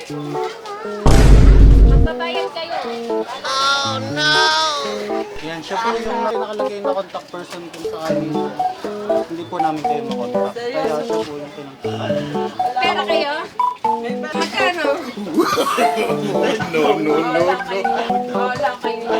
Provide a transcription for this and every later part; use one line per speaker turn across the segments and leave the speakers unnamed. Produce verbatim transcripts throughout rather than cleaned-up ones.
Magbabayad kayo.
Oh no! Yan, siya po yung nakalagay na contact person kung sakali na hindi po namin kayo makontak. Kaya siya po yung pinagtahan.
Pera kayo? Magkano?
No, no, no,
Wala kayo. Wala kayo.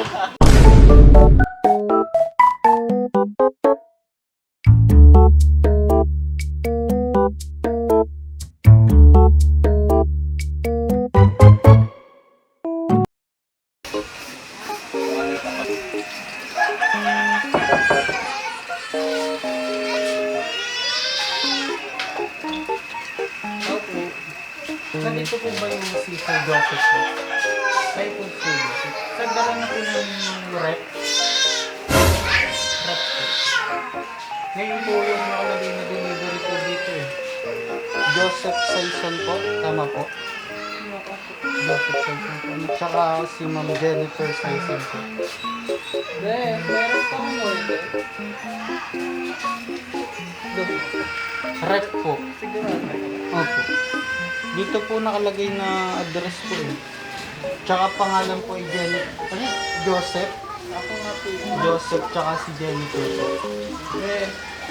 Nandito po ba yung si Sir Joseph po? Kayo po Sir Joseph. Sir, dala na po ng rep. Rep po. Ngayon po yung nakalagay na delivery po dito eh. Joseph Saison po. Tama po. Joseph Saison po. At saka si Ma'am Jennifer Saison po.
Hindi, meron pa mo eh.
Rep po.
Sigurado.
Opo. Dito po nakalagay na address po eh. Tsaka pangalan po ay Jennifer. Ano? Joseph.
Ako nga po yun.
Joseph tsaka si Jennifer po.
Eh,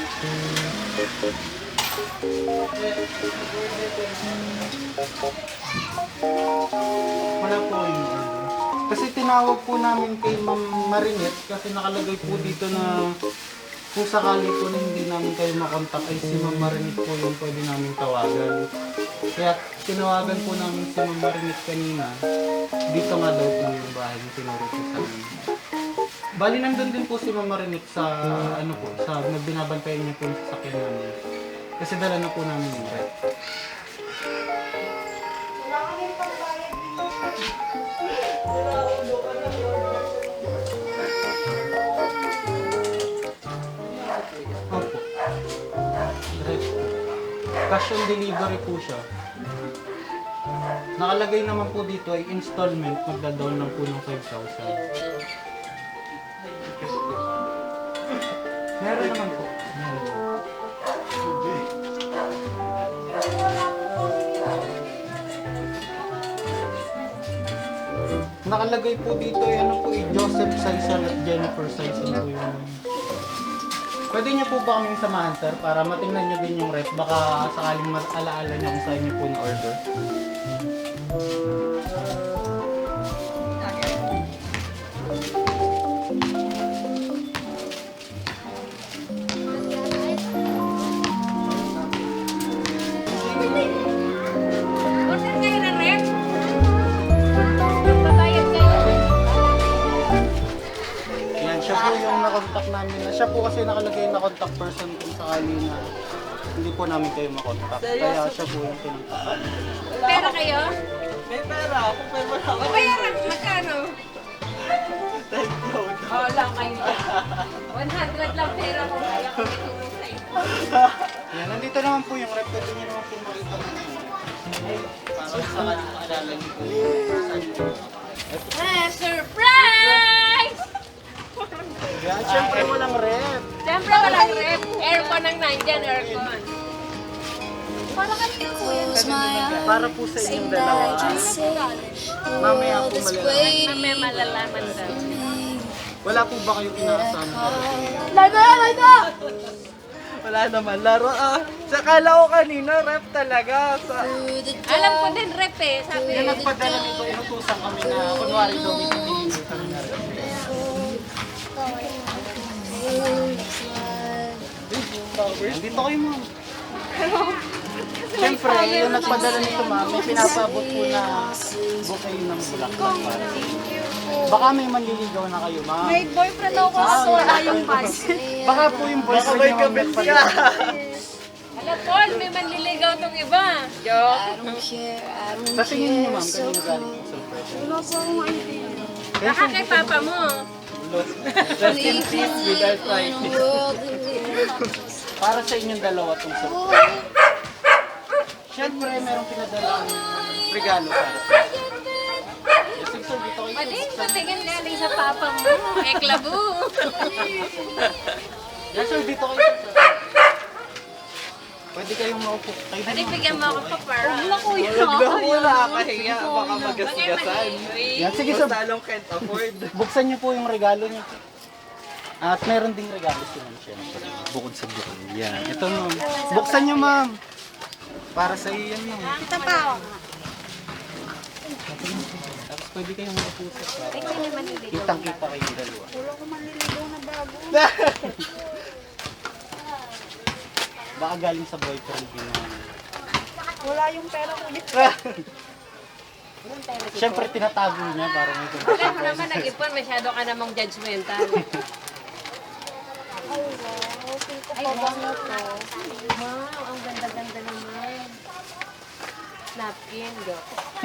Wala po yung order. Kasi tinawag po namin kay Ma'am Marinette kasi nakalagay po dito na kung sakali po na hindi namin kayo makontak ay si Ma'am Marinette po yung pwede namin tawagan. Kaya tinawagan po namin si Ma'am Marinette kanina. Dito nga daw po yung bahay na tinuro po sa amin. Bali nandun din po si Ma'am Marinette sa ano po, sa nagbinabantayan niya po yung sasakyan namin. Kasi dala na po namin yung rep. Opo. Rep po. Cash on delivery po siya. Nakalagay naman po dito ay installment, magda-down lang po ng five thousand. Meron naman po. Meron. Nakalagay po dito ay ano po eh, Joseph Saison at Jennifer Saison po yung... Pwede niyo po ba kaming samahan sir para matingnan niyo din yung rep baka sakaling alaala niyo kung saan niyo po na-order.
Order kayo ng rep? Magbabayad kayo.
Yan, siya po yung na-contact namin. na- Siya po kasi nakalagay na contact person kung sakali na hindi po namin kayo makontak. Kaya siya po yung pinagtahan.
Pera kayo?
may pera ako, pero wala ako.
O bayaran, magkano?
Thank you.
Wala kayo. one hundred lang pera ko. Kaya ko itulong sa inyo.
Yan, nandito naman po yung rep. Pwede niyo naman po makita mo. Para sakaling maalala niyo po yung saan niyo.
Ah, surprise!
Yan, syempre walang rep.
Siyempre walang rep. Aircon ang nandyan, aircon. Para kanina ko yan.
Para po sa inyong dalawa. Mamaya po malalaman.
Mamaya malalaman daw.
Wala po ba kayong inaasahan na rep?
Lago! Lago!
Wala naman, laro ah. Sa kala ko kanina, rep talaga. Sa...
Alam ko din rep eh. Sabi
Yung nagpadala nito, inutusan kami na kunwari daw may pinili kami na rep. Dito kayo ma'am. Siyempre, yung nagpadala nito ma'am, may pinapabot po na bouquet ng bulaklak para. Baka may manliligaw na kayo ma'am.
May boyfriend ako so wala yung pass.
Baka po yung
Baka
boyfriend
may
niyo ma'am
kabit ka.
nagpadala.
Alam, Paul, may manliligaw tong iba. Joke.
Sa tingin niyo ma'am, kanino galing yung surprise?
Wala po akong idea.
Baka kay papa mo.
Rest in peace with arthritis.
Para sa inyong dalawa tong surprise. Siyempre, merong pinadalang regalo para sa inyo. Yes, sir, dito kayo.
Pating, patingin galing sa papa mo. Eklabu.
Yes, sir, dito kayo. Sir. Pwede kayong maupo. Kayo
Pwede
din.
bigyan mo ako pa para.
Huwag na kuya.
Huwag na po, nakakahiya. Baka magasgasan.
Yan, sige
Mas
sir.
talong can't afford.
Buksan niyo po yung regalo niyo. At meron ding regalo si ma'am syempre. Bukod sa bukod. Yan. Ito ma'am. Buksan niyo ma'am. Para sa iyo yan ma'am.
Kita pa.
Tapos pwede kayong maupo sir.
Ay,
Para
sino naman hindi.
kitang-kita kayong dalawa.
Wala ko manliligaw na bago.
Baka galing sa boyfriend niyo.
Wala yung pera ko dito.
Syempre tinatago niya para may
Alam mo naman, nag-ipon, masyado ka namang judgmental.
Ay, wow. Feel ko pa ba na to?
Wow, ang ganda-ganda naman. Napkin, go.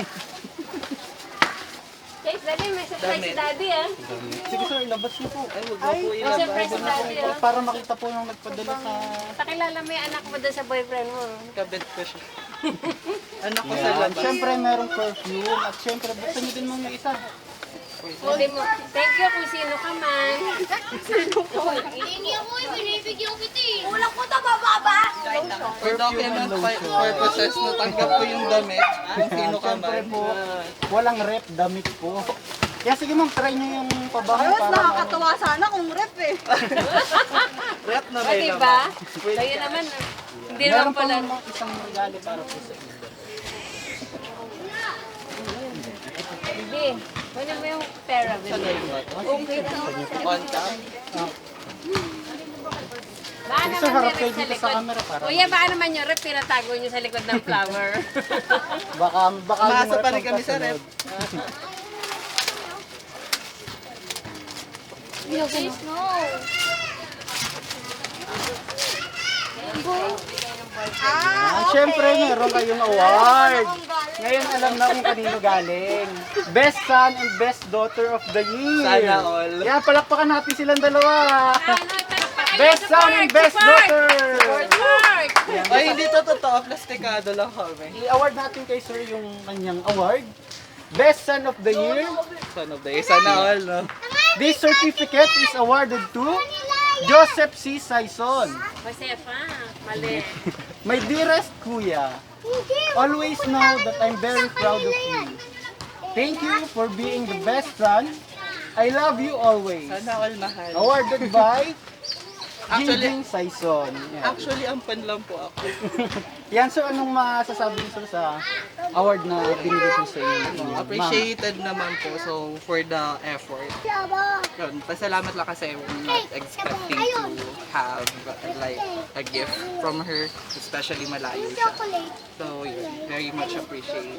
Guys, dali, may surprise si daddy ah.
Sige sir, ilabas niyo po.
Ay, huwag mo po
May
ilabas.
surprise si daddy ah.
Para makita po yung nagpadala sa...
Pakilala mo yung anak mo doon sa boyfriend mo.
Kabit ko siya. Anak ko sa
Yan.
labas.
Syempre merong perfume at syempre buksan niyo din mong isa.
Sabi mo, thank you kung sino ka man.
Hindi ako, binibigyan kita eh.
Kulang ko to, bababa!
For document pi- purposes, natanggap ko yung damit. Kung sino ka
Syempre
man.
po, walang rep, damit po. Kaya sige ma'am, try niyo yung pabango
Ayun,
para...
nakakatawa sana kung rep eh.
Rep na
O,
rin
diba?
naman.
Kaya naman, hindi
Meron
naman
pa
pala.
mga isang regalo para po sa inyo.
Bibi, kunin mo yung pera, Bibi. Okay.
On cam.
Baka
Sige,
naman
sir, harap
may
kayo
rep sa
dito sa
likod.
camera para...
Kuya, baka naman yung rep, pinatago nyo sa likod ng flower.
Baka, baka
Umasa
yung
pa
rep
rin kami sa
magkasunod.
rep.
Please, no.
Ah, syempre, meron kayong award. Ngayon alam na kung kanino galing. Best son and best daughter of the year.
Sana all.
Yan, palakpakan natin silang dalawa.
Ano, palakpakan
Best
niyo,
son
support,
and best
support!
daughter.
Support!
Ay, hindi to totoo. Plastikado lang kami.
I-award natin kay sir yung kanyang award. Best son of the year.
Son of the year. Sana all, no?
This certificate is awarded to Joseph C. Saison.
Josefa, mali.
My dearest kuya, always know that I'm very proud of you. Thank you for being the best son. I love you always.
Sana all mahal.
Awarded by
Actually-
Jingjing Saison. Yan.
Actually, ampan lang po ako.
Yan, so anong masasabi niyo sir sa award na binigay ko sa inyo? ng inyong ma'am?
Appreciated naman po. So, for the effort. Yun, pasalamat lang kasi we're not expecting to have like a gift from her, especially malayo siya. So, yun, very much appreciated.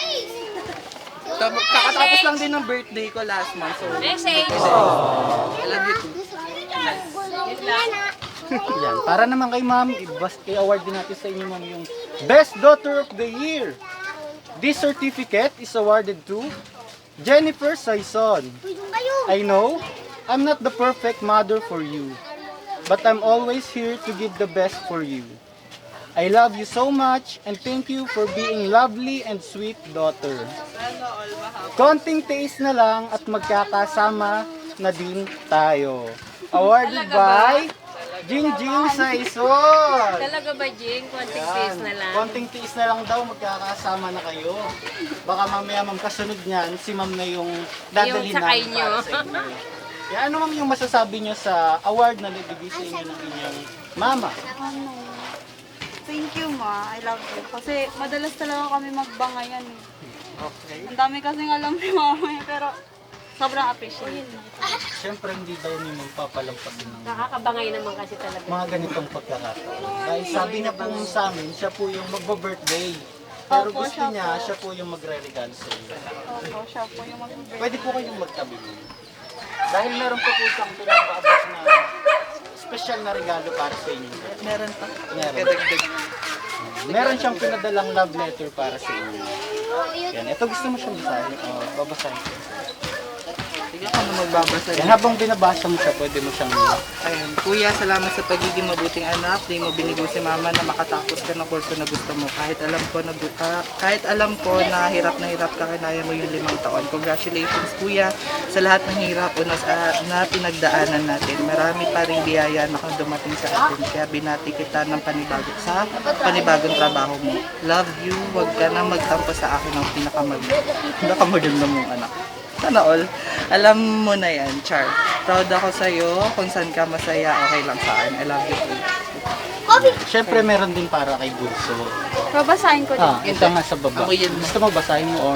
Tapos, kakatapos lang din ng birthday ko last month. So,
Message!
I love you too.
Yun lang.
Yan, para naman kay ma'am, i-bas- i-award din natin sa inyo ma'am yung Best Daughter of the Year. This certificate is awarded to Jennifer Saison. I know I'm not the perfect mother for you, but I'm always here to give the best for you. I love you so much and thank you for being lovely and sweet daughter.
Sana all mahal.
Konting tiis na lang at magkakasama na din tayo. Awarded
Talaga ba?
by Jingjing Saison.
Talaga ba, Jing? Konting
Yan.
face na lang.
Konting tiis na lang daw, magkakasama na kayo. Baka mamaya ma'am kasunod niyan, si ma'am na yung dadalhin
Yung sakay
namin
nyo.
para sa inyo. Kaya ano ma'am yung masasabi nyo sa award na nabigay sa inyo ng inyong mama?
Ano? Thank you, ma. I love you. Kasi madalas talaga kami magbangayan eh.
Okay.
Ang dami kasing alam ni mama eh, pero sobrang appreciate.
Siyempre hindi daw niyo magpapalampasin ng
Nakakabangay naman kasi talaga.
mga ganitong pagkakataon. Dahil sabi niya po sa amin, siya po yung magbo-birthday. Pero
Opo,
gusto
siya
niya,
po.
siya po yung magre-regalo sa inyo.
Opo, siya po yung mag-birthday.
Pwede po kayong magtabi. Dahil meron po po siyang pinapaabot na special na regalo para sa inyo.
Meron pa.
Meron.
Kadagdag.
Meron siyang pinadalang love letter para sa inyo. Yan, ito gusto mo siyang basahin. Oh, babasahin ko.
Sige Sige ako na magbabasa
Yan,
din.
habang binabasa mo siya, pwede mo siyang...
Ayun, kuya, salamat sa pagiging mabuting anak. Di mo binigo si mama na makatapos ka ng kurso na gusto mo. Kahit alam ko na ah, kahit alam ko na hirap na hirap ka, kinaya mo yung limang taon. Congratulations, kuya, sa lahat ng hirap o na, ah, na pinagdaanan natin. Marami pa rin biyaya na kung dumating sa atin. Kaya binati kita ng panibago sa panibagong trabaho mo. Love you. Huwag ka na magtampo sa akin ng pinakamag pinakamaganda mong anak. Sana all. Alam mo na yan, Char. Proud ako sa'yo. Kung saan ka masaya, okay lang sa akin. I love you too.
Siyempre, meron din para kay Bunso.
Babasahin ko din.
Ah, ito nga sa baba.
Ako yun.
Gusto mo basahin mo or...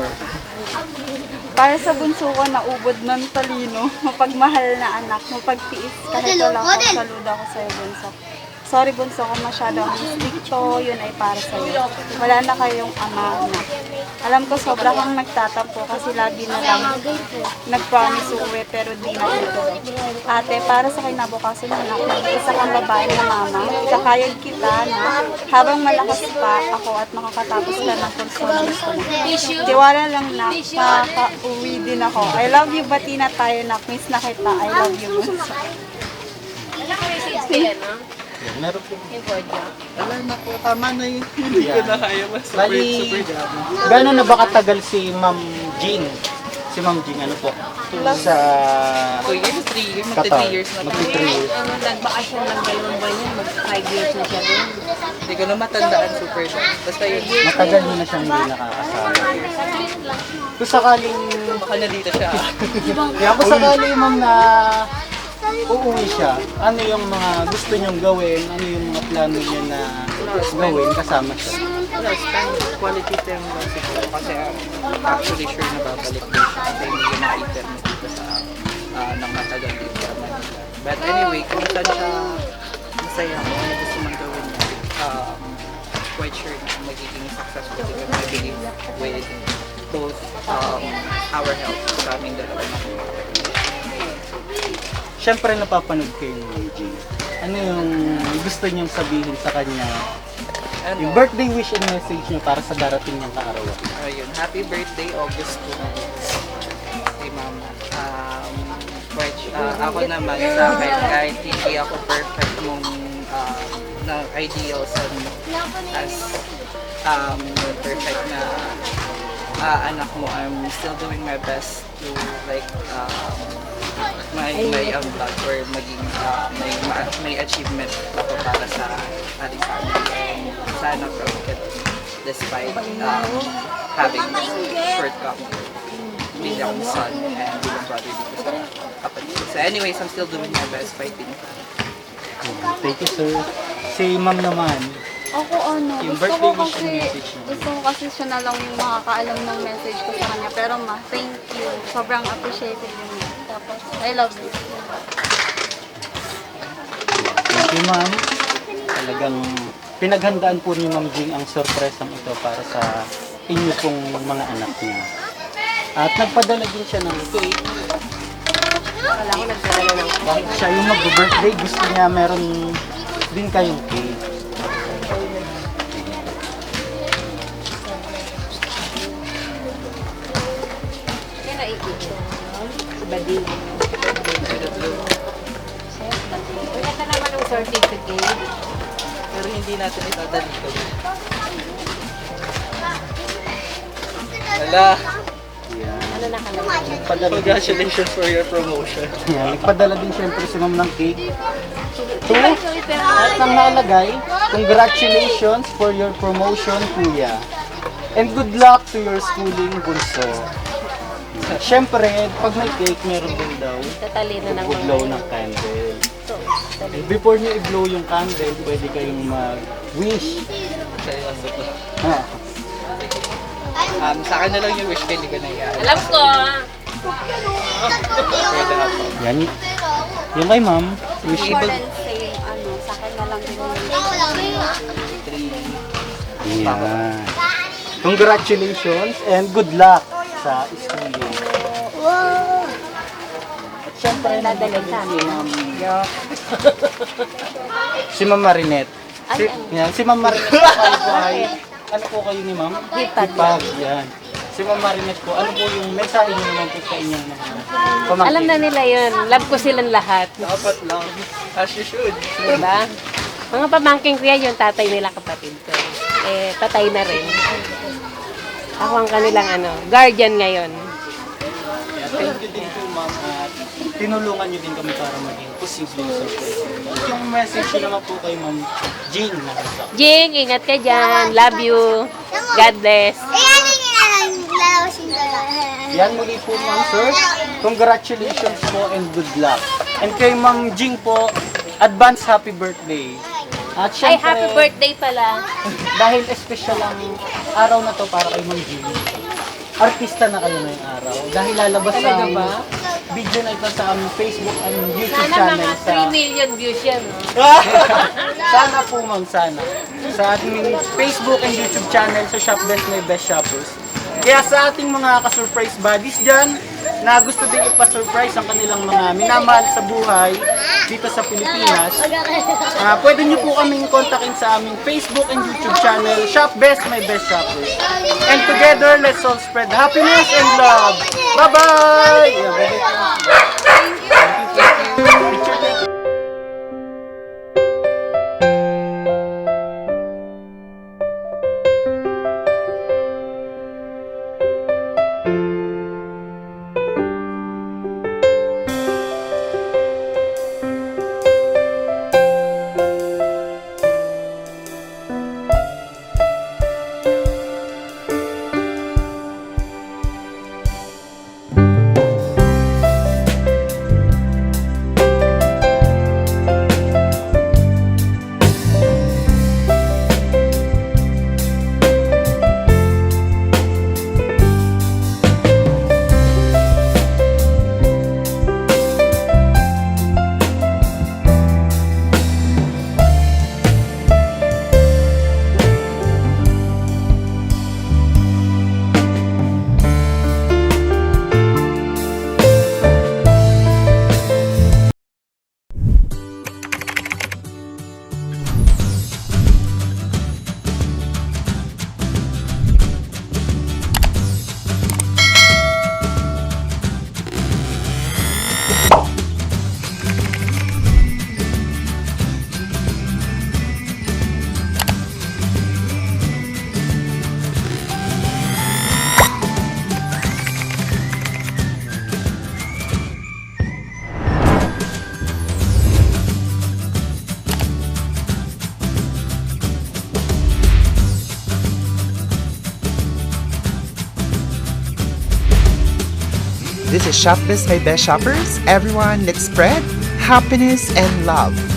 Para sa bunso ko na ubod ng talino, mapagmahal na anak, mapagtiis kahit wala ko, saludo ako sa'yo, bunso. Sorry, bunso, kung masyado ang stricto, yun ay para sa'yo. Wala na kayong ama na. Alam ko sobra kang nagtatampo kasi lagi na lang nag-promise uwi pero di na ito. Ate, para sa kinabukasan ng anak, mag-isa kang babae na mama, ikakayod kita na habang malakas pa ako at makakatapos ka ng kurso na gusto mo. Tiwala lang na makaka-uwi din ako. I love you, bati na tayo na. Miss na kita. I love you, bunso.
Wala ka message kaya, no?
Yan, meron po.
Yung Bodja.
Wala na po. Tama na yun. Hindi ko na kaya. Mas super,
Bali,
super gabi.
gano'n na ba katagal si Ma'am Jean? Si Ma'am Jean, ano po? Sa...
two years, three years, magta
Qatar.
three years na po.
Magti three years.
Ano, nagbakasyon lang dalawang buwan yan. Mag-five years na siya doon.
Hindi ko na matandaan super gabi. Basta yun.
Matagal mo na siyang hindi nakakasama. Kung sakaling...
Baka na dito siya.
Kaya kung sakaling ma'am na uuwi siya, ano yung mga gusto niyong gawin, ano yung mga plano niya na gawin kasama siya?
Wala, spend quality time lang siguro. Kasi um, actually sure na babalik din siya. Kasi hindi ko makita mo dito sa uh, nang matagal dito sa Manila. But anyway, kung saan siya masaya mo, ano gusto mong gawin niya, um, quite sure na magiging successful because I believe with both um, our health sa aming dalawa na
Siyempre napapanood kayo ni Ma'am Jean. Ano yung gusto niyong sabihin sa kanya?
ano,
Yung birthday wish and message niyo para sa darating niyang kaarawan.
ayun, happy birthday August two. Kay Mama. Um, which, uh, ako naman sa akin, kahit hindi ako perfect mong um, na ideals and as um, perfect na uh, anak mo, I'm still doing my best to like um, may may unblock or maging uh, may ma- may achievement ako para sa ating family and sana proud ka din despite um, having shortcomings bilang son and bilang brother dito sa kapatid. So anyways, I'm still doing my best fighting.
Thank you, sir. Si Ma'am naman,
Ako ano,
Yung
gusto
birthday
ko
wish and
kasi,
message mo.
gusto ko kasi siya na lang yung makakaalam ng message ko sa kanya. Pero ma, thank you. Sobrang appreciated yun. Tapos, I love you.
thank you, Ma'am. Talagang pinaghandaan po ni Ma'am Jean ang sorpresang ito para sa inyo pong mga anak niya. At nagpadala din siya ng cake.
Wala ko nagdala ng
Kahit siya yung mag-birthday, gusto niya meron din kayong cake.
Kaya naikot. Badi. Wala ka naman ng certificate.
Pero hindi natin itadali ko. Wala.
Ano na ka naman?
Nagpadala din,
Congratulations for your promotion.
yeah, nagpadala din siyempre si Ma'am ng cake. Two, at nang nakalagay, congratulations for your promotion, Kuya. And good luck to your schooling, Bunso. Siyempre, pag may cake, meron din daw
Tatalino ng
mag-blow ng candle.
So,
And before niyo i-blow yung candle, pwede kayong mag-wish. Ah,
Um, sa akin na lang yung wish ko, hindi ko na i-add.
alam ko.
Pwede ako.
yan. Yung kay Ma'am, wish
More than same, ano, sa akin na lang din yung
Three.
Yan. Congratulations and good luck sa schooling. At syempre,
Dadalhin sa
si Ma'am, si Ma'am Marinette. Si, yan, si Ma'am Marinette po kayo po ay, ano po kayo ni Ma'am?
Hipag.
Hipag, yan. si Ma'am Marinette po, ano po yung mensahe niyo naman po sa inyong mga pamangkin?
Alam na nila yun. Love ko silang lahat.
Dapat lang. As you should.
Diba? Mga pamangking ko yan, yung tatay nila kapatid ko. Eh, patay na rin. Ako ang kanilang ano, guardian ngayon.
Yeah, thank you din po, Ma'am. At tinulungan niyo din kami para maging posible yung surprise. At yung message niyo naman po kay Ma'am Jean na sa
Jing, ingat ka dyan. Love you. God bless.
Yan muli po, Ma'am Sir. Congratulations po and good luck. And kay Ma'am Jing po, advance happy birthday. At
Ay,
syempre,
happy birthday pala.
dahil special ang araw na to para kay Ma'am Jing. Artista na kayo ngayong araw. Dahil lalabas
Talaga
ang
ba?
video na ito sa aming Facebook and YouTube
Sana
channel.
mga
sa
three million views yan. No?
Sana po, Ma'am, sana. Sa ating Facebook and YouTube channel sa Shop Best My Best Shoppers. Kaya sa ating mga ka-surprise buddies dyan, na gusto din ipa-surprise ang kanilang mga minamahal sa buhay dito sa Pilipinas, ah pwede nyo po kaming kontakin sa aming Facebook and YouTube channel, Shop Best My Best Shoppers. And together, let's all spread happiness and love. Bye-bye! Yeah, bye-bye po. Thank you, thank you. Picture, thank you.
This is Shop Best My Best Shoppers. Everyone, let's spread happiness and love.